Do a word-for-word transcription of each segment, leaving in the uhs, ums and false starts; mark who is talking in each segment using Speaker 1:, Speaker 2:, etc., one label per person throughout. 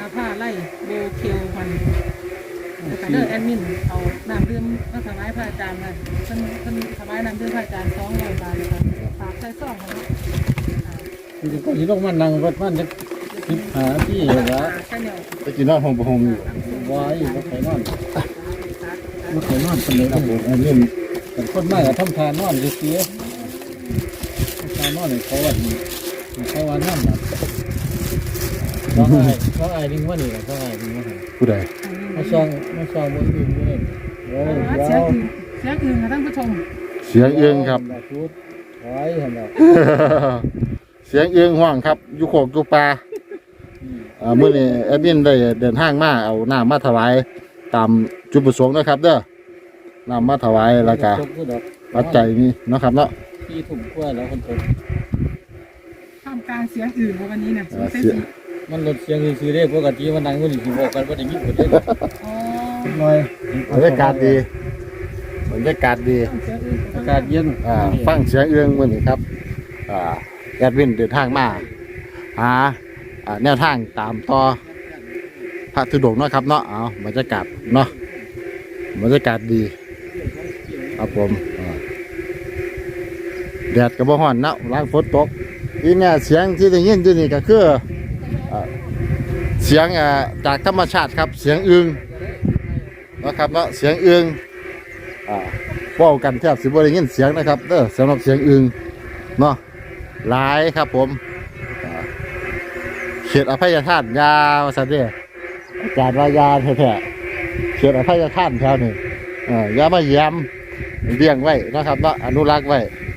Speaker 1: ผ้าไล่โบเคียวมันแต่เด้อแอดมินเอาน้ำดื่มมาถวายพระอาจารย์นะเพิ่นเพิ่นถวายน้ำดื่มพระอาจารย์สองร้อยบาทนะคะฝากใส่ซองของ
Speaker 2: นี่ก็สิลงมานั่งวัดมันจะสิบหาที่เหรอ
Speaker 1: ใช่เนี่ย
Speaker 3: ไปกินนอนห้องประหงอยู่
Speaker 2: ไว้บ่ไปนอนบ่ไปนอนคนเดียวครับผมอันนี้เป็นคนมากกับทำทานนอนเสียทานนอนเขาวันเขาวันนั่นนะเขาไอ้เขาไอ้ดึงว่านี่เขาไอ้ดึงว่า
Speaker 3: ผู้ใด
Speaker 2: มาซองมาซองบนอื่นด้วยโอ้ย
Speaker 1: เสียงอื่นเสียงอื่นค่ะท่านผู้ชม
Speaker 3: เสียงเอื้องครับ
Speaker 2: ชุดไว้เห็นไหม
Speaker 3: เสียงเอื้องห่วงครับอยู่โขกอยู่ปลาอ่ามื้อนี้แอดมินได้เดินทางมาเอาน้ำมาถวายตามจุดประสงค์นะครับเด้อน้ำมาถวายแล้วก็ปัจจัยนี่เนาะครับเนาะ
Speaker 2: ที่ถุงกล้วยแล้วคนตก
Speaker 1: ท่ามกลางเสียงอื่นวันนี้เนี่ย
Speaker 3: อ่า
Speaker 1: เสียง
Speaker 3: เสีย
Speaker 2: มันลดเสียงซื้อได้ปกติมันดังกว่านี้ที่บอกกันว่าได้ยินหมดเลย
Speaker 1: อ๋อ
Speaker 2: หน่อย
Speaker 3: บรรยากาศดีบรรยากาศดี
Speaker 1: เสียงอื่น
Speaker 2: อากาศเย็น
Speaker 3: อ่าฟังเสียงเอื้องมื้อนี้ครับอ่าแอดมินเดินทางมาหาอ่าแนวทางตามต่อพระธุดงค์เนาะครับเนาะเอาบรรยากาศเนาะบรรยากาศดีครับผมอ่าแดดก็บ่ร้อนเนาะล้างฝนตกนี่เนี่ยเสียงที่ได้ยินอยู่นี่ก็คืออ่าเสียงอ่าจากธรรมชาติครับเสียงอึงนะครับเนาะเสียงอึงอ่าเว้ากันแทบสิบ่ได้ยินเสียงนะครับเด้อสำหรับเสียงอึงเนาะหลายครับผมอ่าเขตอภัยทานยาวซะเด้ออาจารย์ว่ายาแท้ๆเขตอภัยทานแถวนี้อ่าอย่ามาแย้มเลี้ยงไว้นะครับเนาะอนุรักษ์ไว้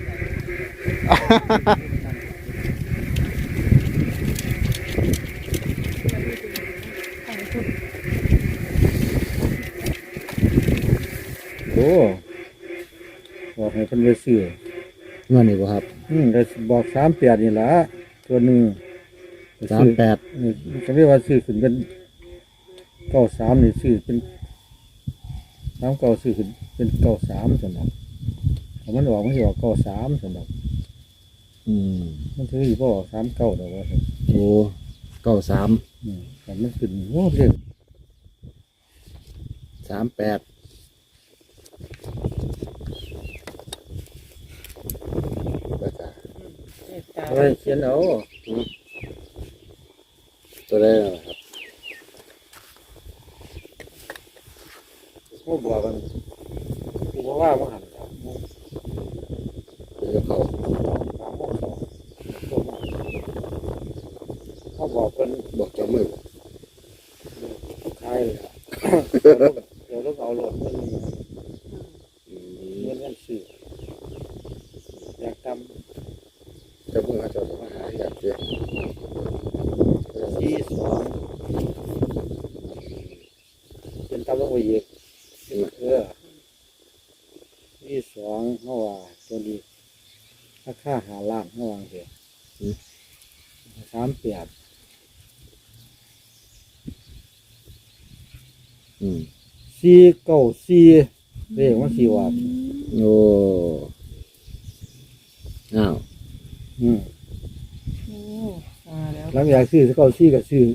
Speaker 2: โอ้บอกให้คนไปซื้อ
Speaker 3: เงินนี่บ่ครับ
Speaker 2: อืมได้บอกสามแปดนี่ละตัวหนึ่ง
Speaker 3: สามแปด
Speaker 2: ก็เรียกว่าซื้อขึ้นเป็นเก้าสามนี่ซื้อเป็นสามเก้าซื้อขึ้นเป็นเก้าสามสำหรับถ้ามันออกมันจะออกเก้าสามสำหรับ
Speaker 3: อืม
Speaker 2: มันถืออยู่พอออกสามเก้าแต่ว่า
Speaker 3: โอ้เก้าสาม
Speaker 2: อืมแต่มันขึ้นโอ้เร็ว
Speaker 3: สามแปดแล้วก็
Speaker 2: เฮ้ยเขียนเอา
Speaker 3: ตัวได้แล้วครับ
Speaker 2: โอ้บอกกันกูบอกว่ามันหันครับ
Speaker 3: เดี๋ยวเขา
Speaker 2: เขาบอกเป็น
Speaker 3: บอกเจ้ามือ
Speaker 2: ใครเลยอะเดี๋ยวต้องเอารถมันเงินเงินซื้ออยากท
Speaker 3: เจ้ามือเขาเจะมาหาอยากเจอ
Speaker 2: ำที่สองเป็นตำรวจอีกเออที่สองเมื่อวานตัวนี้ถ้าค่าหาล้านเมื่อวานเหรอสามแปด
Speaker 3: อืม
Speaker 2: สี่เก้าสี่เรียกว่าสี่วัต
Speaker 3: โอ้อ้าว
Speaker 2: อืม
Speaker 1: โอ้มาแล้ว
Speaker 2: หลังจากซื้อเก้าสี่ก็ซื้อ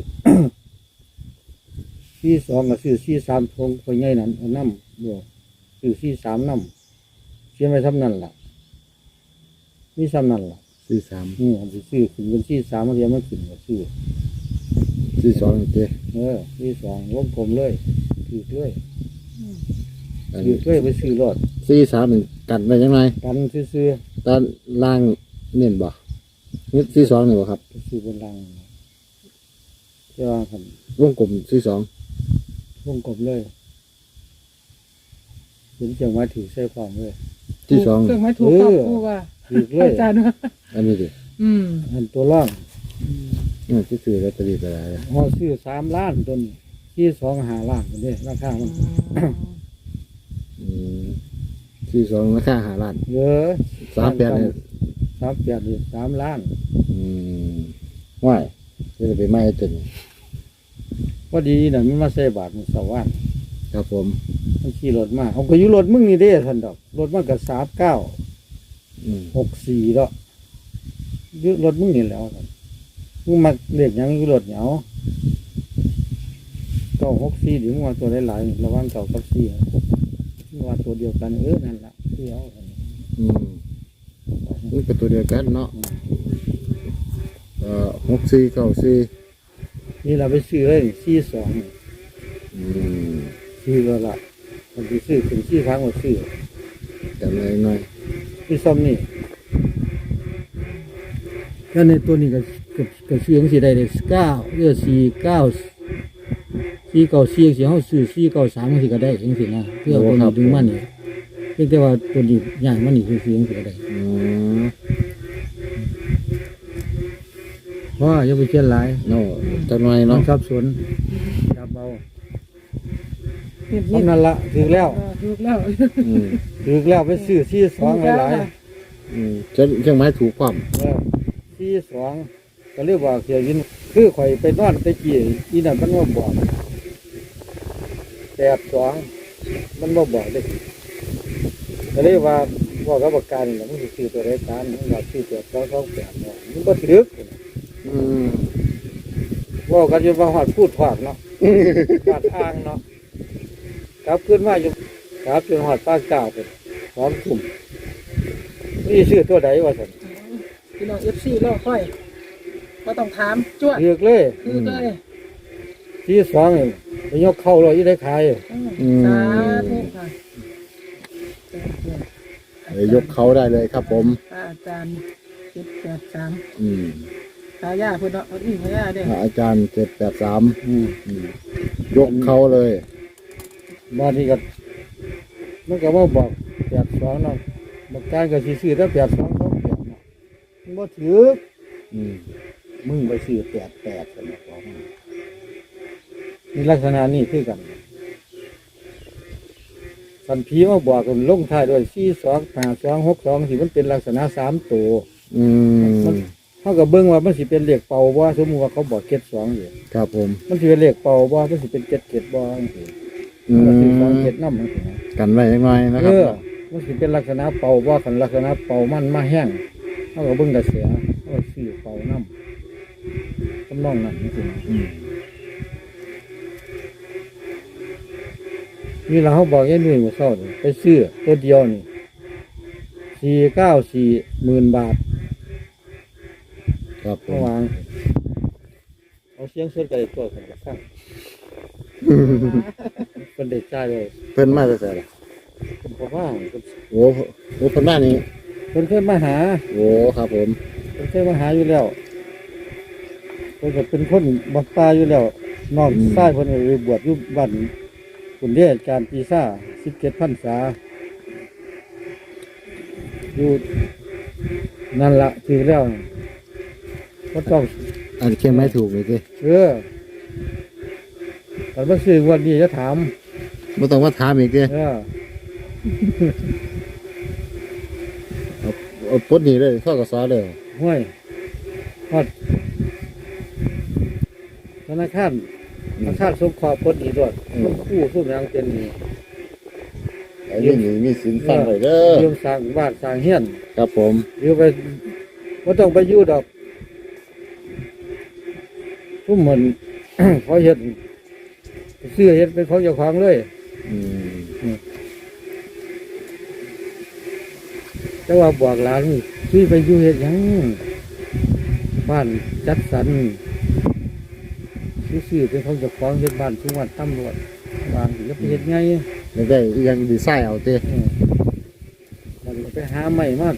Speaker 2: สี่สองก็ซื้อสี่สามทงไปง่ายนั้นเอาน้ำเดียวซื้อสี่สามน้ำเชื่อไหมทำนั่นล่ะนี่ซ้ำนั่นล่ะ
Speaker 3: สี่สาม
Speaker 2: อืมอันที่ซื้อขึ้นเป็นสี่สามมันเรียกมันขึ้นก็ซื้อ
Speaker 3: สี่สองเจ
Speaker 2: เออสี่สองวงกลมเลยถือเลย
Speaker 3: อัน
Speaker 2: ถือเลยไปซื้อรถ
Speaker 3: สี่สามหนึ่งกันไปยังไง
Speaker 2: กันซื้อ
Speaker 3: ตอนล่างเน้นบ่นี่สี่สองนี่บ่ครับ
Speaker 2: ๆไปซื้อบนรังเจ้าคัน
Speaker 3: วงกลมสี่สอง
Speaker 2: วงกลมเลยเห็นเจียงไว้ถือใส่ความเลย
Speaker 3: ที่สอง
Speaker 1: เครื่องไม้ถูกครับผู้ว่า
Speaker 2: ถือเลย
Speaker 1: อาจารย์ว่า
Speaker 3: อันนี้ดิ
Speaker 1: อืม
Speaker 2: อันตัวล่าง
Speaker 3: นี่ที่ซื้อลอตเตอรี่ไปแล้ว
Speaker 2: พอซื้อสามล้านต้นที่สองหาล้านคนนี้ราคามัน
Speaker 3: อืมสี่สองราคาห้าล้าน
Speaker 2: เยอะ
Speaker 3: สามแปดเนี่ย
Speaker 2: สามแปดนี่สามล้าน
Speaker 3: อืมว่ายจะไปไม่จน
Speaker 2: พอดีน่ะมันมาใส่บาทมันสว่าน
Speaker 3: ครับผม
Speaker 2: มันขี่รถมาเอาก็อยู่รถมึงนี่เด้ท่านดอกรถมันก็สามเก้า
Speaker 3: อืม
Speaker 2: หกสี่แล้วอยู่รถมึงนี่แหล้วท่านมึงมาเรียกหยังอยู่รถเหนียว
Speaker 4: เก้าหกสี่หรือว่าตัวหลายๆระหว่างเก้ากับสี่ว่าตัวเดียวกันเออนั่นแหละที่เอา
Speaker 3: อืมนี่เป็นตัวเดียวกันเนาะเอ่อหกสี่เก้าสี่
Speaker 4: นี่เราไปซื้อเลยสี่สอง
Speaker 3: อืม
Speaker 4: ซื้อแล้วล่ะมันไปซื้อถึงสี่ครั้งมาซื้อ
Speaker 3: จำเลยหน่อย
Speaker 4: ที่ซ้ำนี่ก็ในตัวนี้ก็ก็ก็ซื้อของสีได้เลยเก้าเรือสี่เก้าสี่เก้าสี่สี่ห้าซื้อสี่เก้าสามมันสิก็ได้จังสินะเพื่อคนดึงมันนี่เพียงแต่ว่าตัวนี้ใหญ่มันนี่คือซื้อของสิก็ได้
Speaker 3: อืม
Speaker 4: เพราะว่าอย่าไปเชื่อหลาย
Speaker 3: เนาะจังหน่อย
Speaker 4: น้อ
Speaker 3: เนาะ
Speaker 4: งสับสนจับเบา
Speaker 1: เห็น
Speaker 4: ทำนั่นละถือแล้ว
Speaker 1: ถูกแล้ว
Speaker 3: อืม
Speaker 4: ถือแล้วไปซื้อสี่สองหลาย
Speaker 3: อืมจะเครื่องไม้ถูกความ
Speaker 4: ๆเออสี่สองก็เรียกว่าเสียยินคือข่อยไปนอนไปกี่อีนั่นมันว่าบอกแปดสองมันว่าบอกเลยก็เรียกว่าว่ากับประกันนี่มันสิซื้อตัวรายการมันว่าซื้อตัวสองสองแปดเนาะมันก็ถือ
Speaker 3: อืม
Speaker 4: ว่ากันจนว่าหอดพูดถอดเนาะหอดอ้างเนาะกลับขึ้นมาอยู่กลับจนหอดป้าเก้าเป็นพร้อมถุ่มนี่ชื่อตัวใดวะสัน
Speaker 1: พี่น้องเอฟซีรอค่อยก็ต้องถามจ้วด
Speaker 4: เลือกเลย
Speaker 1: คือเลย
Speaker 4: ที่สองนี่ไปยกเข้าเลยยี่ได้ขาย
Speaker 1: อืมสาธุค่ะ
Speaker 3: เดี๋ยวยกเขาได้เลยครับผม
Speaker 1: อาจารย์เจ็ดแปดสาม
Speaker 3: อืม
Speaker 1: ตายาเพื่อนเนาะเอาอีกพยาเด้
Speaker 3: อาจารย์เจ็ดแปดสาม
Speaker 4: อืม
Speaker 3: ยกเขาเลย
Speaker 4: บ้านนี้ก็มันก็ว่าบอกแปดสองเนาะบอกการก็สิซื้อถ้าแปดสองเขาแปดเนาะมันบ่ถือ
Speaker 3: อืม
Speaker 4: มึงไปซื้อแปดแปดกันบอกว่านี่ลักษณะนี้คือกันสันผีมาบอกกันลงท้ายด้วยสี่สองห้าสองหกสองสิมันเป็นลักษณะสามตัว
Speaker 3: อืม
Speaker 4: เขาก็เบิ่งว่ามันสิเป็นเลขเป่าบ่สมมุติว่าเขาบอกเจ็ดสองอยู่
Speaker 3: ครับผม
Speaker 4: มันสิเป็นเลขเป่าบ่มันสิเป็นเจ็ดเจ็ดบ่จังซี่
Speaker 3: อื
Speaker 4: มันก็สิสอง
Speaker 3: ม
Speaker 4: เจ็ดนำจังซี่นะ
Speaker 3: กันไว้ยังไงนะค
Speaker 4: เอ
Speaker 3: รับ
Speaker 4: อมันสิเป็นลักษณะเป่าบ่คันลักษณะเป่ามันมาแห้งเขาก็เบิ่งกระแสเขาก็ซื้อเป่านำทำนองนั้นจังซี่นะ
Speaker 3: อืม
Speaker 4: นี่เราเขาบอกยัยนุ่ยหมู่เศร้านี่ไปซื้อตัวเดียวนี่สี่เก้าสี่หมื่นบาท
Speaker 3: ครับผ
Speaker 4: เมื่อ
Speaker 3: ม
Speaker 4: วานเอาเสียงสดกันตัวกันกับข้างเป็นเด็กใจเลย
Speaker 3: เพิ่นมาแต่ไหนล่ะ
Speaker 4: ผมบอกว่าเพิ่น
Speaker 3: โอ้โหโอ้เพิ่นมานี่
Speaker 4: เพิ่นเคยมาหา
Speaker 3: โอ้ครับผม
Speaker 4: เพิ่นเคยมาหาอยู่แล้วเพิ่นก็เป็นคนบักตาอยู่แล้วน้องชายเพิ่นก็ไปบวชอยู่บ้านคุณเดชการปีซ่าสิบเจ็ดพรรษาอยู่นั่นละถือแล้วก็ต้อง
Speaker 3: อันเครื่องไม้ถูกเลยสิ
Speaker 4: เออแต่ว่าซื้อวันนี้จะถาม
Speaker 3: ไม่ต้องมาถามอีกสิ
Speaker 4: เออ
Speaker 3: เอาปลดหนี่เลยข้อกสอเลย
Speaker 4: ห้วยฮอดธนาคารธนาคารสงเคราะห์พ้นอีกด้วยมันคู่สู้ยังเป็นนี่
Speaker 3: ไอ้นี่นี่มีสินฟังเลยเด้อ
Speaker 4: ยืมสร้างบ้านสร้างเฮียน
Speaker 3: ครับผม
Speaker 4: ยืมไปว่าต้องไปอยู่ดอกทุกเหมือน เขาเห็นซื้อเห็นเป็นของเจ้าของเลย
Speaker 3: อืม
Speaker 4: แต่ว่าบอกหลานซื้อไปอยู่เห็นยังบ้านจัดสรรซื้อเป็นของเจ้าของเห็นบ้านทุกวันตำรวจวางอยู่แล้วไปเห็นไง
Speaker 3: ไม่ได้ยังดีไซน์เอาเต้
Speaker 4: เออมันก็ไปหาใหม่มาก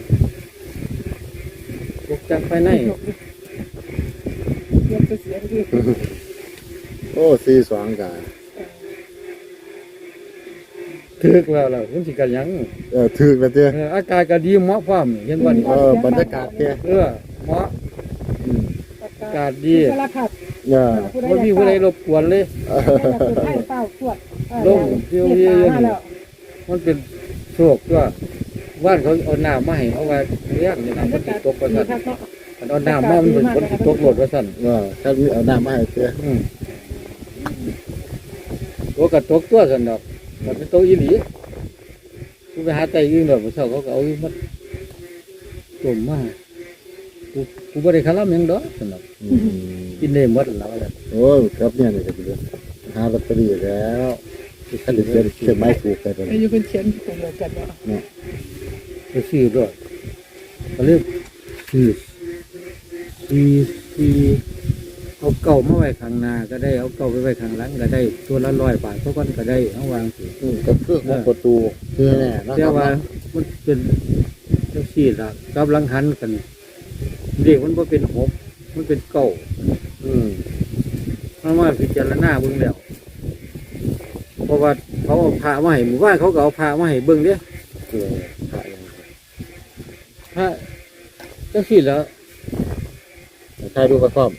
Speaker 4: ตกจังไปไหน
Speaker 1: เตรียมจะเสียดี
Speaker 3: โอ้สี่สองกา
Speaker 4: ถึกแล้วแล้วมันสิกันหยัง
Speaker 3: เออถือแล้วเต้
Speaker 4: เอออากาศก็ดีเหมาะความเห็นว่านี่
Speaker 3: เออบรรยากาศเต้
Speaker 4: เออเหมาะ
Speaker 3: อืม
Speaker 1: อากา
Speaker 4: อา
Speaker 1: ศ
Speaker 4: กาศดี
Speaker 1: สารพัด
Speaker 3: เออ
Speaker 4: ไม่มีผู้ใดรบกวนเลย
Speaker 1: คนไทยเป้าตรวจ
Speaker 4: ลงเที่ยวเยี่ยม มันเป็นโชคก็ว่านเขาเอาน้ำมาให้เอาไว้เลี้ยงเนี่ยนะมันสิตกไปสั่นเอาน้ำมามันเป็นคนสิตกโหลดไปสั่น
Speaker 3: เออถ้ามีเอาน้ำมาให้เต้
Speaker 4: อืมตัวกับตกตัวสั่นดอกมันเป็นตัวอีหลีกูไปหาไต่ยืนดอกมาเช่าเขาก็เอาอยู่มัดจมมากูกูไม่ได้คาร่ำหยังดอกสั่นดอก
Speaker 3: อืม
Speaker 4: กินได้หมดแล้วแหละ
Speaker 3: โอ้ยครับเนี่ยนี่ก็ดีเลย
Speaker 4: อ
Speaker 3: หาลอตเตอรี่แล้วที่ขันเดือนเขียนไม้ถูกไปตอน
Speaker 1: อา
Speaker 3: นี้
Speaker 1: ยุเป็นเขียนตรงเดียวกันว่า
Speaker 3: เนาะ
Speaker 4: ก็ซื้อด้วยก็เรียกซื้อซีซีเอาเก่ามาไว้ข้างหน้าก็ได้เอาเก่าไปไว้ข้างหลังก็ได้ตัวละร้อยบาทเท่ากันก็ได้เอาวางสิ
Speaker 3: อืมก็คือของประตูคือแน่เนาะ
Speaker 4: แต่ว่ามันเป็นจังซี่ล่ะกับหลังหันกันเด็กมันบ่เป็นหกมันเป็นเก่า
Speaker 3: อืม
Speaker 4: มันมาพิจารณาเบิ่งแล้วเพราะว่าเขาเอาพระมาให้หมู่บ้านเขาก็เอาพระมาให้เบิ่งเด้
Speaker 3: คือพระยัง
Speaker 4: พระจังซี่แล้ว
Speaker 3: ใครดูกระซ่อม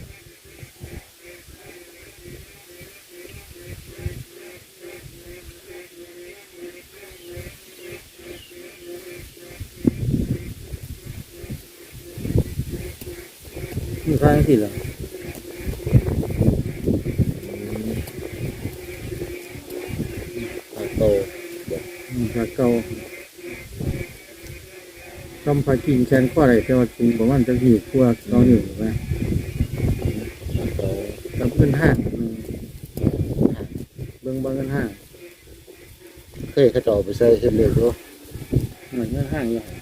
Speaker 4: มีพระจังซี่แล้ว
Speaker 3: พระโต
Speaker 4: อืมพระเก่าทำพระกิ่งแขนข้ออะไรแต่ว่าสูงประมาณจักนิ้วกว่าสองนิ้วถูกไหม
Speaker 3: พระโต
Speaker 4: กับเงินห้างอืมเบิ่งเบิ่งเงินห้าง
Speaker 3: เคยเขาเจาไปใส่เฮ็ดเลยด้วย
Speaker 4: เหมือนเงินห้างอย่าง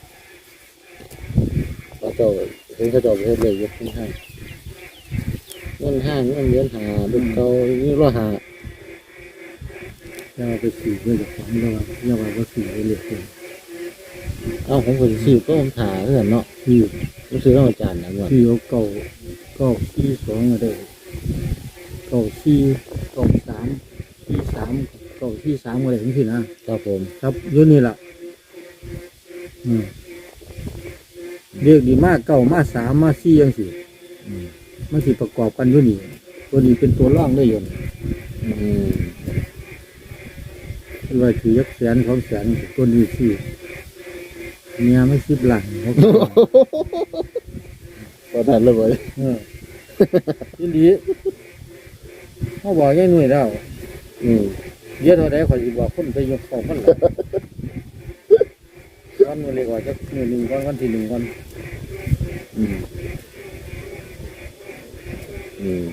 Speaker 3: พระเจ้าเห็นเขาเจาไปเฮ็ดเลยอยู่ข้างห้างเงินห้างเงินเหรียญหาลูกเก่านี่ร้อยหา
Speaker 4: จะเอาไปสีเพื่อจะของเราอย่าว่าว่าสีไปเหลือเกิน
Speaker 3: เอาผมก็สิซื้อก็ผมถาเพื่อนเนาะ
Speaker 4: ที่
Speaker 3: ผมซื้อต้องอาจารย์นะว่า
Speaker 4: ที่เอาเก่าเก่าที่สองมาได้เก่าที่เก่าสามที่สามเก่าที่สามอะไรทั้งสิ้นนะครับ
Speaker 3: ผม
Speaker 4: ครับอยุ่นี่แหละอืมเรียกดีมากเก่ามาสามมาสี่ยังสี่
Speaker 3: อืม
Speaker 4: มันสิประกอบกันอยุ่นี่ตัวนี้เป็นตัวร่องได้อยน
Speaker 3: อืม
Speaker 4: เป็นว่าถือยักแสนสองแสนตัวนี้สี่เมียไม่สิบหลังเขาก็ว่า
Speaker 3: พอทันเลยบ่
Speaker 4: เออยินดีเขาบอกยังหน่วยแล้ว
Speaker 3: อืม
Speaker 4: เยอะเท่าใดขอยสิบอกคนไปยกของคนละวันนี้เลยว่าจะหนึ่งหนึ่งวันวันที่หนึ่งวัน
Speaker 3: อืมอืม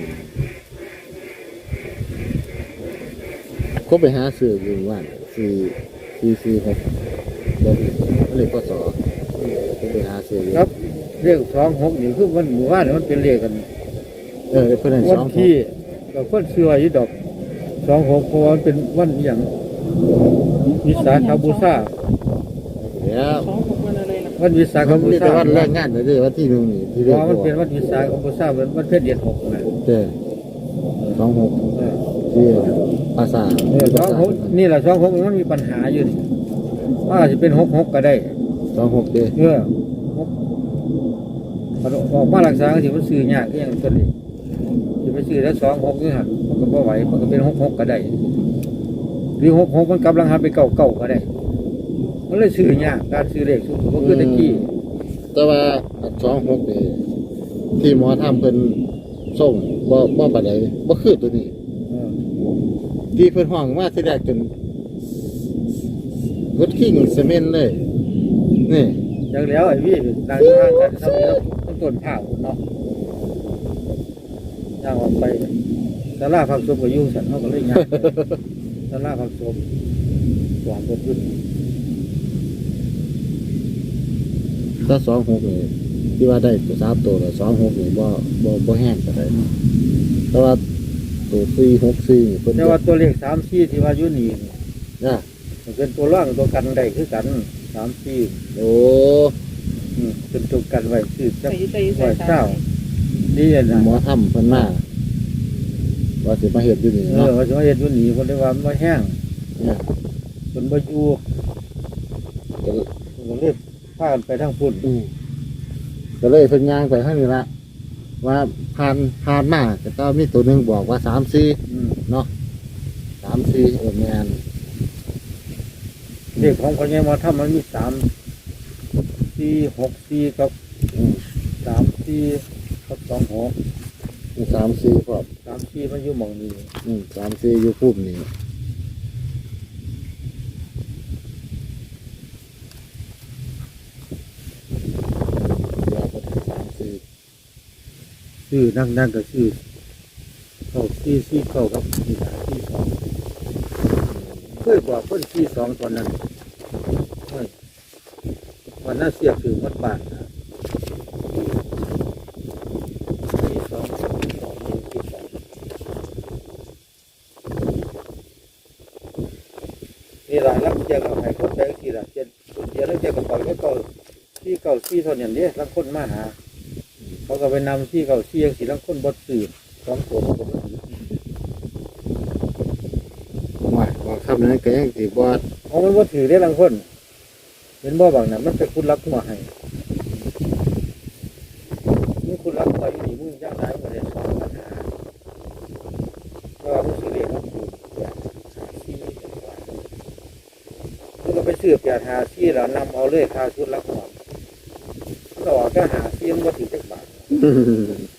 Speaker 3: ก็ไปหาซื้ออยู่ว่านซื้อซื้อซื้อครับบ่เลยก็สอก็ไปหาซื้ออยู่
Speaker 4: ครับเลขสองหกนี่คือวันหมู่บ้านนี่มันเป็นเลขกัน
Speaker 3: เออเพิ่นให้
Speaker 4: วั
Speaker 3: ส
Speaker 4: น
Speaker 3: อง
Speaker 4: ที่กับคนเชื่ออยู่ดอกสองหกเพราะว่ามันเป็นวันอหย่างวิสาขบูชา
Speaker 3: เดี๋ยว
Speaker 1: สองหกวันอะไรล่ะ
Speaker 4: วันวิสาข
Speaker 3: มัน
Speaker 4: บู
Speaker 3: นี่
Speaker 4: ชา
Speaker 3: แต่วันแรงงานเลยเด้อวันที่หนึ่งนี่ที่
Speaker 4: เพ
Speaker 3: เรียก
Speaker 4: ราะว่ามันเป็น
Speaker 3: ว่า
Speaker 4: วันวิสาขบูชาเป็นวันเพ็ญเดือนหกนะ
Speaker 3: เด้อสองหก
Speaker 4: เออ
Speaker 3: ที่ภาษา
Speaker 4: เออสองหกนี่แหละสองหกมันมีปัญหาอยู่นี่ว่าอาจจะเป็นหกหกก็ได้
Speaker 3: สองหกเด้อ
Speaker 4: เออหกพอออกมารักษาก็ถือว่าซื้อยากก็ยังตัวนี้จะไปซื้อแล้วสองหกนี่หันมันก็บ่ไหวมันก็เป็นหกหกก็ได้หรือหกหกมันกำลังหันไปเก่าเก่าก็ได้มันเลยซื้อยากการซื้อเลขสูงสุดก็คือตะกี้
Speaker 3: แต่ว่าสองหกนี่ที่หมอทำเป็นส่งบ่บ่ปานใดบ่คือตัวนี้
Speaker 4: เออ
Speaker 3: ที่เพิ่นห้องมาที่แรกจนรถขิงเซเมนต์เลย นี่
Speaker 4: อย่างแล้วไอ้พี่นางทางกันทำนี้แล้วต้องต้นผ้าเนาะย่างออกไปสาราผักสมกับยุ่งสันเขาก็เลยย่างสาราผักสมสวนต้นขึ้น
Speaker 3: ถ้าสองหกนี่ที่ว่าได้ตัวสามตัวแล้วสองหกนี่บ่บ่บ่แห้งปานใดแต่ว่าตัวสี่หกสี่เพิ่น
Speaker 4: แต่ว่าตัวเลขสามสี่ที่ว่าอยุ่นี่
Speaker 3: นะ
Speaker 4: มันเป็นตัวร่างตัวกันได้คือกันสามสี่
Speaker 3: โอ้
Speaker 4: อืมเป็นตัวกันไว้คือจะ
Speaker 1: ใส่ใส่
Speaker 4: ไว้
Speaker 1: ใส่
Speaker 4: เจ้าดีอะนะ
Speaker 3: หมอทำเพิ่นมาว่าสิมาเฮ็ดอยู่นี่
Speaker 4: เออ
Speaker 3: เนาะ
Speaker 4: ว่าจะมาเห็นอยุ่นี่คนได้ว่ามันบ่แห้ง
Speaker 3: เนี่ย
Speaker 4: คนบ่อยู่
Speaker 3: ก็
Speaker 4: ก็เลยพากันไปทางพุ่น
Speaker 3: อืมก็เลยเพิ่นย่างไปข้างนี้ละว่าผ่านผ่านมาก็ต้องมีตัวหนึงบอกว่าสามสี่
Speaker 4: อืม
Speaker 3: เนาะสามสี่เออแม่น
Speaker 4: เลขของคนยังมาทำมันมีสามสี่หกสี่กับ
Speaker 3: อืม
Speaker 4: สามสี่กับสองหก
Speaker 3: มีสามสี่พร้อม
Speaker 4: สามสี่มันอยู่หมองนี้
Speaker 3: อืมสามสี่อยู่พุ่มนี่ยาก็ถึงสามสี่
Speaker 4: ชื่อนั่งนั่งก็ชื่อเก้าสี่สี่เก้ากับสี่สามสี่สอง
Speaker 2: ยบอกเพิ่นที่สองตอนนั้นเฮ้ยวันนั้นเสียคือวัดบ้านนะที่สองสองที่สองนี่ละลักเจียกับไห้คนแบงทีละเจียเจียแล้วเจียกับปล่อยก็เก่าที่เก่าที่เท่านั้นเนี่ยลักคนมาหาเขาก็ไปนำที่เก่าที่ยังสีลักคนบดสื่อสองตัวก็บ่ถือ
Speaker 3: ว่าบอกคำนั้นก็ยังสิบ่
Speaker 2: เอามันว่าถือได้ลังคนเห็นบ่บางน่ะมันเป็นคุณรักหัวให้นี่คุณรักหัวอยู่นี่มึงย่างไหนมาได้สองปัญหาเพราะว่ามึงซื้อเรียกมันคือที่มึงก็ไปซื้อเปียหาที่แล้วนำเอาเลยค่าชุดรักหัวก็ออกก็หาที่มันว่าถือจักบาท